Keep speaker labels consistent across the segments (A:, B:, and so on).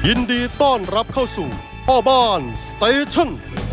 A: ยินดีต้อนรับเข้าสู่พ่อบ้านสเตชัน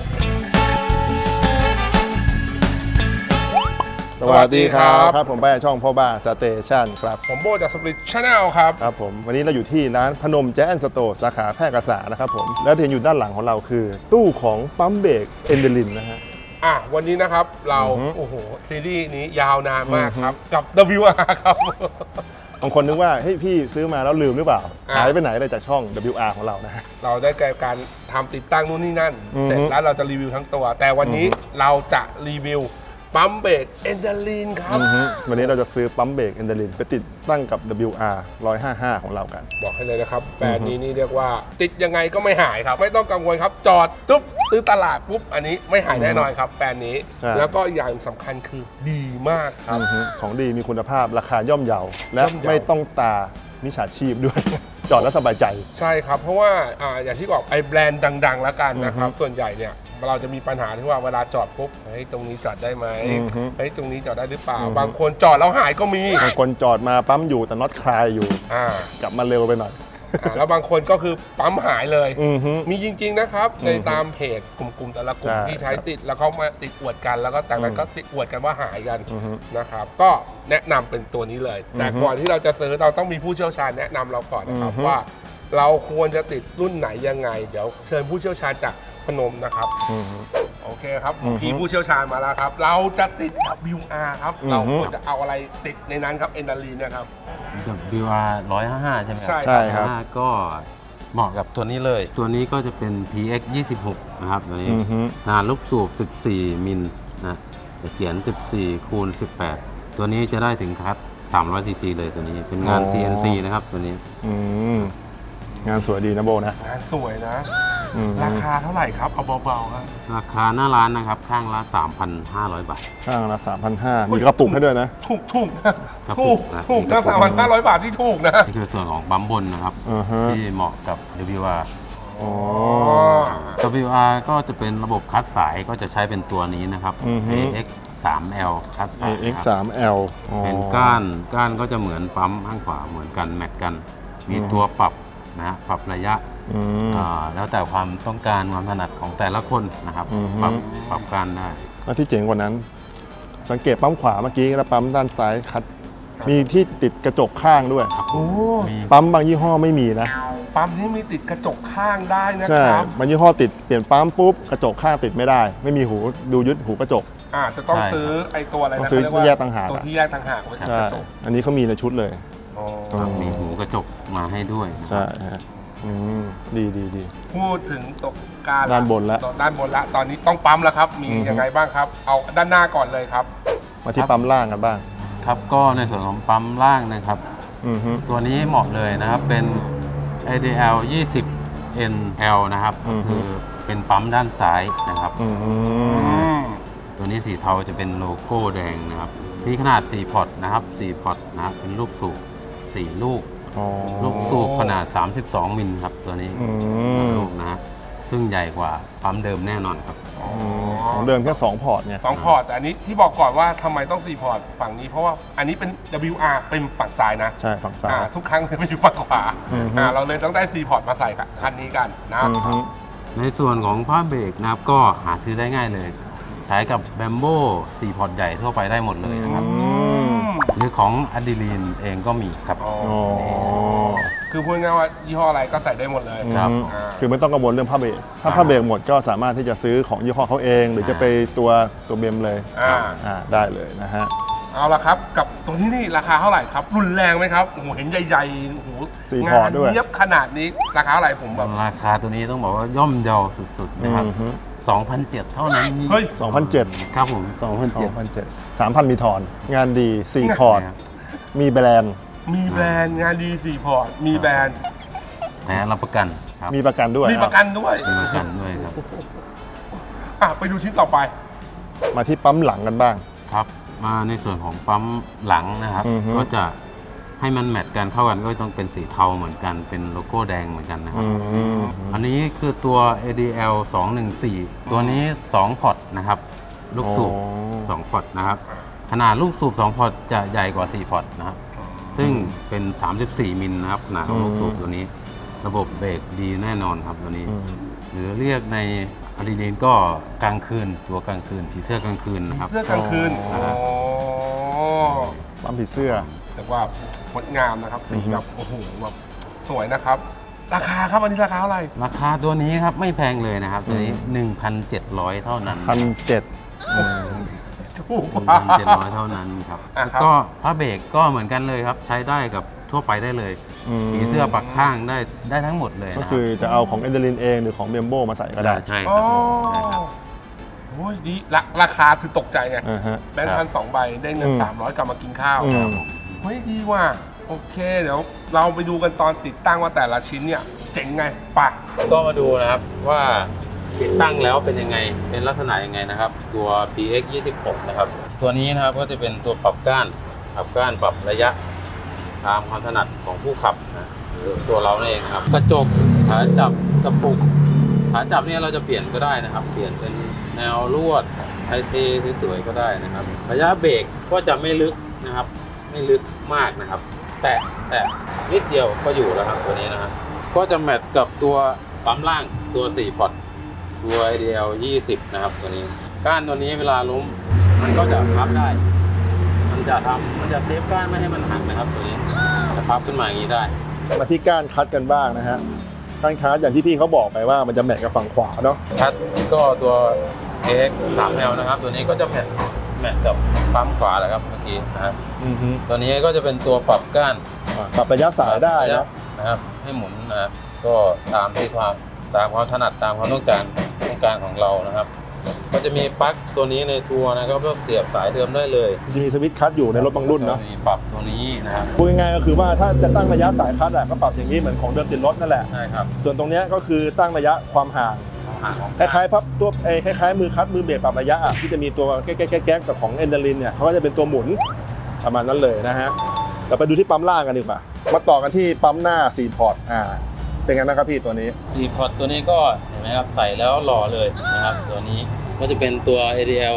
B: สวัสดีครับผมไปช่องพ่อบ้านสเตชันครับ
C: ผมโบจากสปริตชาแนลครับ
B: ครับผมวันนี้เราอยู่ที่ร้านพนมแจ๊สสโตร์สาขาแพร่กษานะครับผมแล้วที่เห็นอยู่ด้านหลังของเราคือตู้ของปั๊มเบรกเอนเดลินนะฮะ
C: วันนี้นะครับเราโอ้โหซีรีส์นี้ยาวนานมากครับกับ WR ครับ
B: บางคนนึกว่าเฮ้ยพี่ซื้อมาแล้วลืมหรือเปล่าหายไปไหนเลยจากช่อง WR ของเรานะฮะ
C: เราได้การทำติดตั้งนู่นนี่นั่นเสร็จแล้วเราจะรีวิวทั้งตัวแต่วันนี้เราจะรีวิวปั๊มเบรกเอนเดลินครับ
B: วันนี้เราจะซื้อปั๊มเบรกเอนเดลินไปติดตั้งกับ WR 155ของเรากัน
C: บอกให้เลยนะครับแบรนด์นี้นี่เรียกว่าติดยังไงก็ไม่หายครับไม่ต้องกังวลครับจอดตุ๊บซื้อตลาดปุ๊บอันนี้ไม่หายแน่นอนครับแบรนด์นี้แล้วก็อย่างสำคัญคือดีมากครับ
B: ของดีมีคุณภาพราคาย่อมเยาและไม่ต้องตามิจฉาชีพด้วย จอดแล้วสบายใจ
C: ใช่ครับเพราะว่าอย่างที่บอกไอ้แบรนด์ดังๆแล้วกันนะครับส่วนใหญ่เนี่ยเราจะมีปัญหาที่ว่าเวลาจอดปุ๊บเฮ้ยตรงนี้จอดได้ไหมเฮ้ยตรงนี้จอดได้หรือเปล่าบางคนจอดแล้วหายก็มี
B: บางคนจอดมาปั๊มอยู่แต่น็อตคลายอยู่กลับมาเร็วไปหน่อย
C: แล้วบางคนก็คือปั๊มหายเลยมีจริงๆนะครับในตามเพจกลุ่มแต่ละกลุ่มที่ใช้ติดแล้วเขามาติดอวดกันแล้วก็แต่ละก็ติดอวดกันว่าหายกันนะครับก็แนะนำเป็นตัวนี้เลยแต่ก่อนที่เราจะซื้อเราต้องมีผู้เชี่ยวชาญแนะนำเราก่อนนะครับว่าเราควรจะติดรุ่นไหนยังไงเดี๋ยวเชิญผู้เชี่ยวชาญจากพนมนะครับโอเคครับพี่ผู้เชี่ยวชาญมาแล้วครับเราจะติด WR ครับเราควรจะเอาอะไรติดในนั้นครับเอนดาลีนะครับ
D: WR 155ใช่ไหม
B: ใช่ครับ
D: ก็เหมาะกับตัวนี้เลยตัวนี้ก็จะเป็น PX 26นะครับตัวนี้ขนาดลูกสูบ14มิลนะจะเขียน14คูณ18ตัวนี้จะได้ถึงคัส300 cc เลยตัวนี้เป็นงาน CNC นะครับตัวนี้
B: งานสวยดีนะโบนะ
C: งานสวยนะราคาเท่าไหร่ครับเอาเบาๆครับ
D: ราคาหน้าร้านนะครับข้างละ 3,500 บาท
B: ข้างละ 3,500 มีกระปุกให้ด้วยนะ
C: ถูกนะ3,500 บาทที่ถูกนะ
D: นี่คือส่วนของปั๊มบนนะครับที่เหมาะกับ WR WR ก็จะเป็นระบบคัดสายก็จะใช้เป็นตัวนี้นะครับ AX 3L คัดสาย
B: AX 3L
D: เป็นก้านก็จะเหมือนปั๊มข้างขวาเหมือนกันแมทกันมีตัวปรับนะฮะปรับระยะแล้วแต่ความต้องการความถนัดของแต่ละคนนะครับปรับการได้
B: แล้วที่เจ๋งกว่านั้นสังเกตปั๊มขวาเมื่อกี้แล้วปั๊มด้านซ้ายคัดมีที่ติดกระจกข้างด้วยปั๊มบางยี่ห้อไม่มีนะ
C: ปั๊มนี้มีติดกระจกข้างได้นะ
B: ค
C: รั
B: บบางยี่ห้อติดเปลี่ยนปั๊มปุ๊บกระจกข้างติดไม่ได้ไม่มีหูดูยึดหูกระจก
C: จะต้องซื้อไอ้ตัวอะไรนะ
B: ซื้อแยกต่างหาก
C: ตัวที่แยกต่างหากไว้กับกระจก
B: อันนี้เขามีในชุดเลย
D: มีหูกระจกมาให้ด้วย
B: ใช่ฮะดี
C: พูดถึงตกการ
B: ด้านบนแล้ว
C: ตอนนี้ต้องปั๊มแล้วครับมียังไงบ้างครับเอาด้านหน้าก่อนเลยครับ
B: มาที่ปั๊มล่างกันบ้าง
D: ครับก็ในส่วนของปั๊มล่างนะครับตัวนี้เหมาะเลยนะครับเป็น ADL 20 NL นะครับคือเป็นปั๊มด้านซ้ายนะครับตัวนี้สีเทาจะเป็นโลโก้แดงนะครับมีขนาด4พอร์ตนะครับ4พอร์ตนะครับเป็นลูกสูบ4ลูกสูบขนาด32มิลครับตัวนี้ลูกนะซึ่งใหญ่กว่าปั๊มเดิมแน่นอนครับ
B: ของเดิมแค่2พอร์ตเนี่ย
C: 2พอร์ตแต่อันนี้ที่บอกก่อนว่าทำไมต้อง4พอร์ตฝั่งนี้เพราะว่าอันนี้เป็น WR เป็นฝั่งซ้ายนะ
B: ใช่ฝั่งซ้าย
C: ทุกครั้งจะไปอยู่ฝั่งขวาเราเลยต้องได้4พอร์ตมาใส่คันนี้กันนะ
D: ในส่วนของผ้าเบรกนะครับก็หาซื้อได้ง่ายเลยใช้กับแบมโบ้4พอร์ตใหญ่ทั่วไปได้หมดเลยนะครับหรือของอะดรีลีนเองก็มีครับ
C: คือพูดง่ายว่ายี่ห้ออะไรก็ใส่ได้หมดเลย
B: ครับคือไม่ต้องกังวลเรื่องผ้าเบรกถ้าผ้าเบรกหมดก็สามารถที่จะซื้อของยี่ห้อเขาเองหรือจะไปตัวเบมเลยได้เลยนะฮะ
C: เอาละครับกับตัวนี้นี่ราคาเท่าไหร่ครับรุนแรงไหมครับโอ้โหเห็นใหญ่ๆโอ้โห
B: งาน
C: เยียบขนาดนี้ราคาเท่าไหร่ผมแบบ
D: ราคาตัวนี้ต้องบอกว่าย่อมเยาสุดๆนะครับ2,700 เท่านั้น
B: เฮ้ย 2,700
D: ครับผม2,700
B: 3,000 มีทอนงานดี4พอร์ตมีแบรนด์
C: งานดี4พอร์ตมีแบรนด์
D: แถมรับประกัน
B: ครับมีประกันด้วย
D: ครับ
C: ไปดูชิ้นต่อไป
B: มาที่ปั๊มหลังกันบ้าง
D: ครับมาในส่วนของปั๊มหลังนะครับก็จะให้มันแมทกันเข้ากันก็ต้องเป็นสีเทาเหมือนกันเป็นโลโก้แดงเหมือนกันนะครับอันนี้คือตัว ADL 214ตัวนี้2พอร์ตนะครับลูกสูบ2พอร์ตนะครับขนาดลูกสูบ2พอร์ตจะใหญ่กว่า4พอร์ตนะครับซึ่งเป็น34มิลนะครับขนาดของลูกสูบตัวนี้ระบบเบรกดีแน่นอนครับตัวนี้ หรือเรียกในอะดรีนาลีนก็กลางคืนตัวกลางคืนผีเสื้อกลางคืนนะครับ
C: เสื้อกลางคืน
D: อ๋อ
B: ปั๊มผีเสื้อ
C: แต่ว่างดงามนะครับสีแบบโอ้โหแบบสวยนะครับ ราคาครับอันนี้ราคาเท่าไหร่
D: ราคาตัวนี้ครับไม่แพงเลยนะครับตัวนี้ 1,700 เท่านั้น
B: 1,700
C: ถูกกว่า
D: 1,700 เท่านั้นครับ
C: อ่ะครับ
D: ก็ผ้าเบรกก็เหมือนกันเลยครับ ใช้ได้กับทั่วไปได้เลยผีเสื้อปักข้างได้ทั้งหมดเลย
B: ก็
D: นะค
B: คื
D: รับ
B: อจะเอาของเอนเดลินเองหรือของเบมโบมาใส่ก็ได้
D: ใช่ค
C: อ๋
D: รั
C: อบ
D: ใช่ครับ
C: โอ้ยดีราคาคือตกใจไง
B: อ่าฮะ
C: แบงค์พัน2 ใบได้เงิน 300 กลับมากินข้าว
B: อืม
C: เฮ้ยดีว่ะโอเคเดี๋ยวเราไปดูกันตอนติดตั้งว่าแต่ละชิ้นเนี่ยเจ๋งไงไปะ
D: ก็มาดูนะครับว่าติดตั้งแล้วเป็นยังไงเป็นลักษณะยังไงนะครับ ตัว PX 26นะครับตัวนี้นะครับก็จะเป็นตัวปรับก้านปรับระยะตามความถนัดของผู้ขับนะหรือตัวเราเองนะครับกระจกขาจับกระปุกขาจับเนี่ยเราจะเปลี่ยนก็ได้นะครับ เปลี่ยนเป็นแนวลวดไทเทสวยๆก็ได้นะครับ ระยะเบรกก็จะไม่ลึกนะครับ ไม่ลึกมากนะครับ แต่นิดเดียวก็อยู่แล้วครับตัวนี้นะครับก็จะแมทกับตัวปั๊มล่างตัว4พอร์ตตัว IDL 20นะครับตัวนี้ก้านตัวนี้เวลาล้มมันก็จะพับได้ มันจะเซฟก้านไม่ให้มันหักนะครับตัวนี้จะพับขึ้นมาอย่างนี้ได้
B: มาที่ก้านคัดกันบ้างนะฮะก้านคัดอย่างที่พี่เขาบอกไปว่ามันจะแมทกับฝั่งขวาเนาะ
D: คัดก็ตัว AX 3L นะครับตัวนี้ก็จะแมทกับปั๊มขวาแหละครับเมื่อกี้นะครับตัวนี้ก็จะเป็นตัวปรับก้าน
B: ปรับระยะสายได้นะ
D: นะครับให้หมุนนะครับก็ตามความถนัดตามความต้องการของเรานะครับ ก็จะมีปลั๊กตัวนี้ในตัวนะครับก็เสียบสายเดิมได้เลย
B: จะมีสวิตช์คัดอยู่ในรถบางรุ่นเนาะ
D: มีปรับตัวนี้นะครับ
B: พูดง่ายๆก็คือว่าถ้าจะตั้งระยะสายคัดก็ปรับอย่างนี้เหมือนของเดิมติดรถนั่นแหละ
D: ใช่ครับ
B: ส่วนตรงเนี้ยก็คือตั้งระยะความห่าง
D: ห่างของ
B: คล้ายๆพับตัวคล้ายๆมือคัดมือเบรกปรับระยะที่จะมีตัวแก๊กๆกับของเอนเดลินเนี่ยเขาก็จะเป็นตัวหมุนประมาณนั้นเลยนะฮะเราไปดูที่ปั๊มล่างกันดีกว่ามาต่อกันที่ปั๊มหน้า4พอร์ตเป็นไงบ้างครับพี่ตัวนี้
D: 4 พอร์ตตัวนี้ก็เห็นไหมครับใส่แล้วหล่อเลยนะครับตัวนี้ก็จะเป็นตัว ADL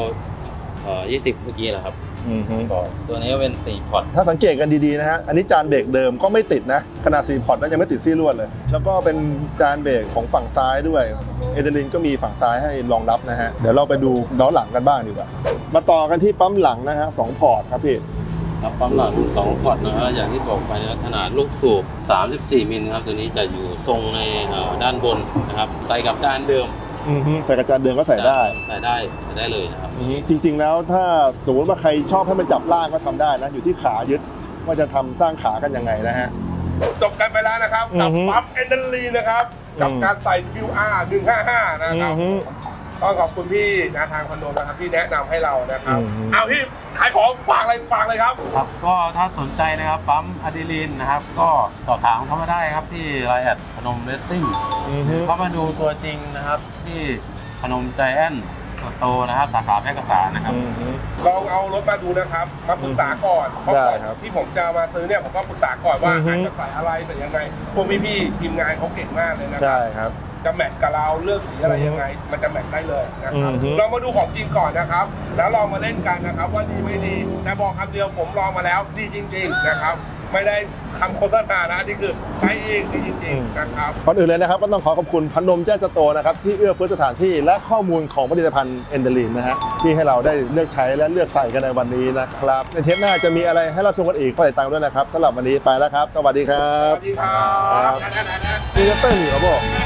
D: 20 เมื่อกี้แหละครับก็ตัวนี้ก็เป็น4พอร์ต
B: ถ้าสังเกตกันดีๆนะฮะอันนี้จานเบรกเดิมก็ไม่ติดนะขนาด4พอร์ตนั้นยังไม่ติดซี่ลวดเลยแล้วก็เป็นจานเบรกของฝั่งซ้ายด้วยเอเดลินก็มีฝั่งซ้ายให้รองรับนะฮะเดี๋ยวเราไปดูล้อหลังกันบ้างดีกว่ามาต่อกันที่ปั๊มหลังนะฮะ2พอร์ตครับพี่
D: ครับปั๊มหลัง2พอร์ตนะฮะอย่างที่บอกไปนะขนาดลูกสูบ34 มิลครับตัวนี้จะอยู่ทรงในด้านบนนะครับใส่กับจานเดิม
B: ใส่กระจานเดิมก็ใส่ได้
D: ใส่ได้เลยนะครับ
B: จริงๆแล้วถ้าสมมติว่าใครชอบให้มันจับล่างก็ทำได้นะอยู่ที่ขายึดว่าจะทำสร้างขากันยังไงนะฮะ
C: จบกันไปแล้วนะครับกับปั๊มเอนเดอรีนะครับกับการใส่ QR 155นะครับต้องขอบคุณพี่นะทางคอนโดนะครับที่แนะนำให้เรานะครับเอาพี่ขายของฝากเลยครับ
D: ครับก็ถ้าสนใจนะครับปั๊มอะดรีนาลีนนะครับก็สอบถามเข้ามาได้ครับที่ไลน์แอดพนมเรซซิ่งเข้ามาดูตัวจริงนะครับที่พนมใจแอนสโตร์นะครับสาขาแพร่กษานะครับ
C: ลองเอารถมาดูนะครับมาปรึกษาก่อนเพราะก่อนที่ผมจะมาซื้อเนี่ยผมก็ปรึกษาก่อนว่าจะใส่อะไรใส่ยังไงพวกพี่ๆทีมงานเขาเก่งมากเลยนะค
B: ใช่
C: รับ
B: ครับ
C: จะแมทกับเราเลือกสีอะไรยังไง มันจะแมทได้เลยนะครับเรามาดูของจริงก่อนนะครับ แล้วลองมาเล่นกันนะครับว่าดีไม่ดีแต่บอกคำเดียวผมลองมาแล้วดีจริง ๆนะครับ ไม่ได้คำโฆษณานะนี่คือใช้เองดีจริงๆนะครับ
B: ก่อนอื่นเลยนะครับก็ต้องขอบคุณพนมแจ้งสโตร์นะครับที่เอื้อเฟื้อสถานที่และข้อมูลของผลิตภัณฑ์เอนเดลินนะฮะที่ให้เราได้เลือกใช้และเลือกใส่กันในวันนี้นะครับในเทปหน้าจะมีอะไรให้รับชมกันอีกก็ติดตามด้วยนะครับสำหรับวันนี้ไปแล้วครับ สวัสดีครั
C: ส
B: บ
C: วัสดีครับ
B: มีเต้นอยู่ครับผม